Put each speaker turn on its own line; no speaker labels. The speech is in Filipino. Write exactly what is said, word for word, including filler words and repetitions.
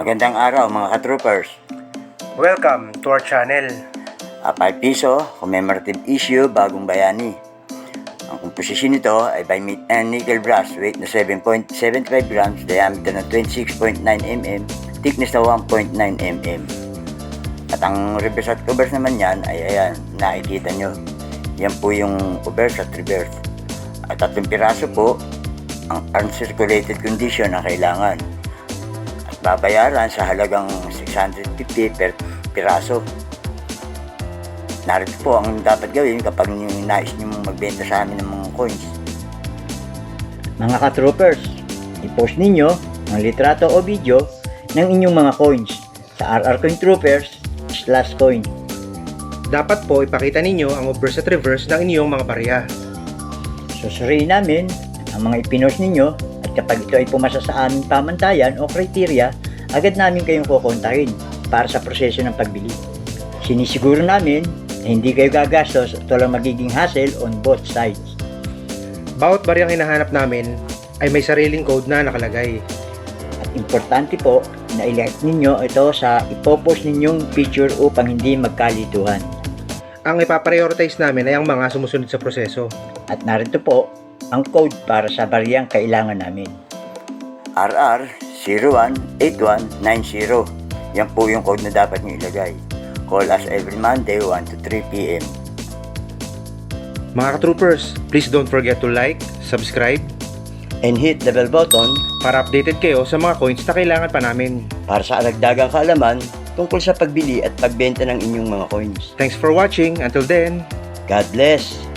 Magandang araw mga ka-troopers.
Welcome to our channel.
A five piso commemorative issue bagong bayani. Ang komposisyon nito ay by meat and nickel brass, weight na seven point seven five grams, diameter na twenty-six point nine millimeters, thickness na one point nine millimeters. At ang reverse at covers naman yan ay ayan, nakikita nyo. Yan po yung reverse at reverse. At tatlong piraso po ang uncirculated condition na kailangan. At babayaran sa halagang six hundred fifty per piraso. Narito po ang dapat gawin kapag nais nyo magbenta sa amin ng mga coins.
Mga ka-troopers, i-post ninyo ang litrato o video ng inyong mga coins sa R R Coin Troopers slash coin.
Dapat po ipakita ninyo ang obverse at reverse ng inyong mga barya.
Susuriin namin ang mga ipinost ninyo at kapag ito ay pumasa sa aming pamantayan o kriteria, agad namin kayong kukontahin para sa proseso ng pagbili. Sinisiguro namin na hindi kayo gagastos at walang magiging hassle on both sides.
Bawat baryang hinahanap namin ay may sariling code na nakalagay.
At importante po na i-like ninyo ito sa ipopost ninyong picture upang hindi magkalituhan.
Ang ipaprioritize namin ay ang mga sumusunod sa proseso.
At narito po ang code para sa baryang kailangan namin.
R R zero one eight one nine zero. Yan po yung code na dapat nyo ilagay. Call us every Monday one to three p m
Mga ka-troopers, please don't forget to like, subscribe,
And hit the bell button
para updated kayo sa mga coins na kailangan pa namin.
para sa aragdagang kaalaman tungkol sa pagbili at pagbenta ng inyong mga coins.
Thanks for watching. Until then,
God bless!